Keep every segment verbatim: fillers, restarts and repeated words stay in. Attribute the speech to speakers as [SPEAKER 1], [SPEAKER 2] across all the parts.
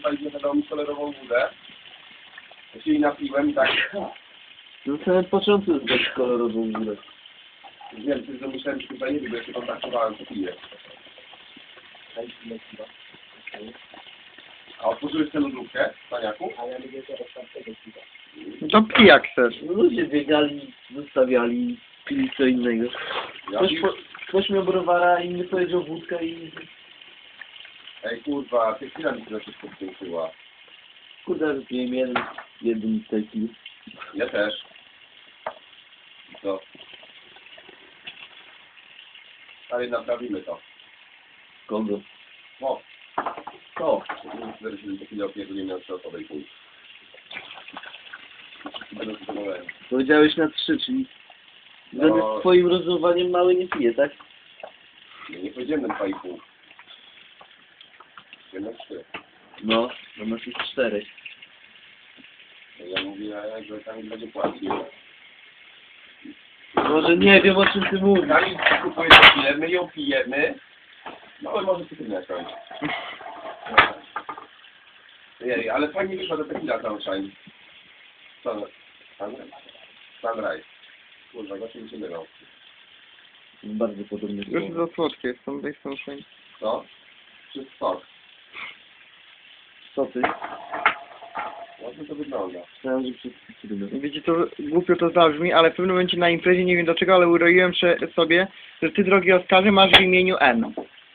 [SPEAKER 1] zapaliłem na mi kolorową wódę. Ja się jej napiłem i tak...
[SPEAKER 2] Na samym początku zdać kolorową górę.
[SPEAKER 1] Wiem, że myślałem, że tutaj nie wiem, bo ja się kontaktowałem, co piję. A otworzyłeś tę lodówkę, paniaku?
[SPEAKER 3] A ja lubię teraz tamtego piwa.
[SPEAKER 4] No to pij jak chcesz.
[SPEAKER 2] Ludzie biegali, zostawiali, pili co innego.
[SPEAKER 1] Ja
[SPEAKER 2] Ktoś,
[SPEAKER 1] pił-
[SPEAKER 2] po, ktoś miał browara, inny powiedział wódkę i...
[SPEAKER 1] Ej kurwa, ty chwila mi się na wszystko wcięczyła.
[SPEAKER 2] Kurde, wypiłem jeden, jeden taki.
[SPEAKER 1] Ja też. Co? Ale naprawimy to.
[SPEAKER 2] Kogo?
[SPEAKER 1] O,
[SPEAKER 2] To.
[SPEAKER 1] cztery siedem chwilę opierdolimy na trzy osoby i pół. Będę zadowolony.
[SPEAKER 2] Powiedziałeś na trzy, czyli...
[SPEAKER 1] No.
[SPEAKER 2] Zgodnie z twoim rozumowaniem mały nie pije, tak?
[SPEAKER 1] Nie, nie powiedziałem na dwa i pół. Powiedziałem na trzy.
[SPEAKER 2] No, no masz już cztery.
[SPEAKER 1] Ja mówię, że tam będzie płacił.
[SPEAKER 2] Może nie wiem, o czym ty mówisz.
[SPEAKER 1] Kali kupuje tequilę, my ją pijemy. No ale może cytrynę kończyć. Jej, ale fajnie wyszła ta tequila Sunshine. Sun... Sun... Sunrise. Kurwa, właśnie mi się mylą.
[SPEAKER 2] Bardzo podobny.
[SPEAKER 4] Już za słodkie jest, są są szyn.
[SPEAKER 1] Co? Czy sok?
[SPEAKER 2] Co ty?
[SPEAKER 1] Ładnie to wygląda.
[SPEAKER 2] Myślałem, że przez cytrynę.
[SPEAKER 4] Wiecie, to głupio to zabrzmi, ale w pewnym momencie na imprezie, nie wiem dlaczego, ale uroiłem się sobie, że ty, drogi Oskarze, masz w imieniu N.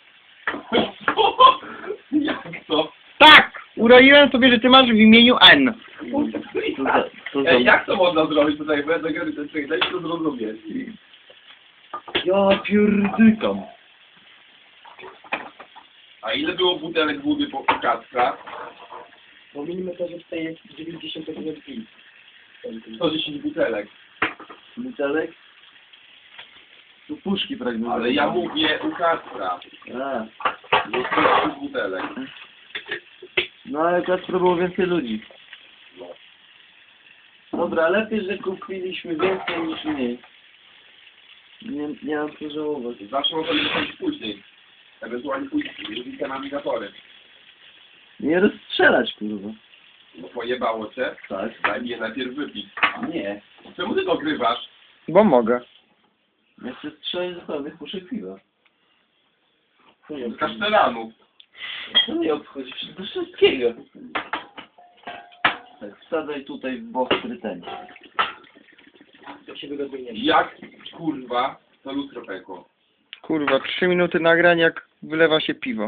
[SPEAKER 1] Jak to?
[SPEAKER 4] Tak! Uroiłem sobie, że ty masz w imieniu N.
[SPEAKER 2] To za, to za...
[SPEAKER 1] Ej, jak to można zrobić tutaj? Bo ja tego nie daj się to zrozumieć.
[SPEAKER 2] Ja pierdykam.
[SPEAKER 1] A ile było butelek wody po Kacpra?
[SPEAKER 3] Bo minimy to, że tutaj jest dziewięćdziesiąt piw.
[SPEAKER 1] sto dziesięć butelek.
[SPEAKER 2] Butelek? Tu puszki pragnę.
[SPEAKER 1] Ale ja mówię u Kacpra.
[SPEAKER 2] A,
[SPEAKER 1] Było sto butelek.
[SPEAKER 2] no ale akurat było więcej ludzi.
[SPEAKER 1] No.
[SPEAKER 2] Dobra, lepiej, że kupiliśmy więcej niż mniej. Nie, nie mam co żałować.
[SPEAKER 1] Zawsze można być później. Ewentualnie później. Jeżeli te nawigatory.
[SPEAKER 2] Nie rozstrzelać, kurwa.
[SPEAKER 1] No pojebało cię?
[SPEAKER 2] Tak.
[SPEAKER 1] Daj mi je najpierw wypić.
[SPEAKER 2] Nie.
[SPEAKER 1] Czemu ty to grywasz?
[SPEAKER 4] Bo mogę.
[SPEAKER 2] Ja chcę strzelać do sobie puszek piwa.
[SPEAKER 1] Z kasztelanów.
[SPEAKER 2] To nie obchodzi się do wszystkiego. Tak, wsadzaj tutaj w bok pretensji.
[SPEAKER 3] To się wygodnie nie
[SPEAKER 1] Jak kurwa to lustro pękło?
[SPEAKER 4] Kurwa, trzy minuty nagrań, jak wylewa się piwo.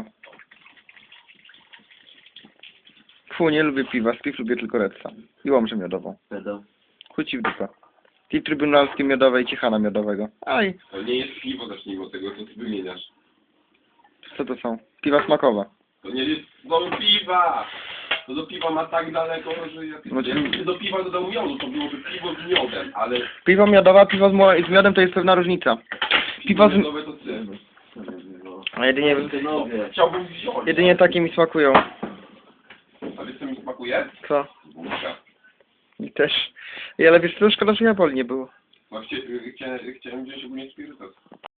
[SPEAKER 4] Fu, nie lubię piwa, z piw lubię tylko redsa. I łomżę miodową.
[SPEAKER 2] Pedał.
[SPEAKER 4] Chuj ci w dupę. I trybunalskie miodowe i ciechana miodowego. Aj,
[SPEAKER 1] To nie jest piwo, zacznijmy od tego, co ty wymieniasz.
[SPEAKER 4] co to są? Piwa smakowe.
[SPEAKER 1] To nie jest do piwa! To do piwa ma tak daleko, że ja...
[SPEAKER 4] No,
[SPEAKER 1] Jakby do piwa dodał miodu, to byłoby piwo z miodem, ale...
[SPEAKER 4] Piwo miodowe, piwo z, mo- z miodem to jest pewna różnica. Piwo z...
[SPEAKER 1] miodowe to ty.
[SPEAKER 4] A jedynie,
[SPEAKER 2] Synowie.
[SPEAKER 1] Chciałbym wziąć.
[SPEAKER 4] jedynie takie mi smakują.
[SPEAKER 1] A wiesz co mi smakuje?
[SPEAKER 4] Co?
[SPEAKER 1] Wódka.
[SPEAKER 4] I też. I ale wiesz co, szkoda, że Japoli nie było.
[SPEAKER 1] Właśnie chciałem, chciałem wziąć ogólnie spirytus.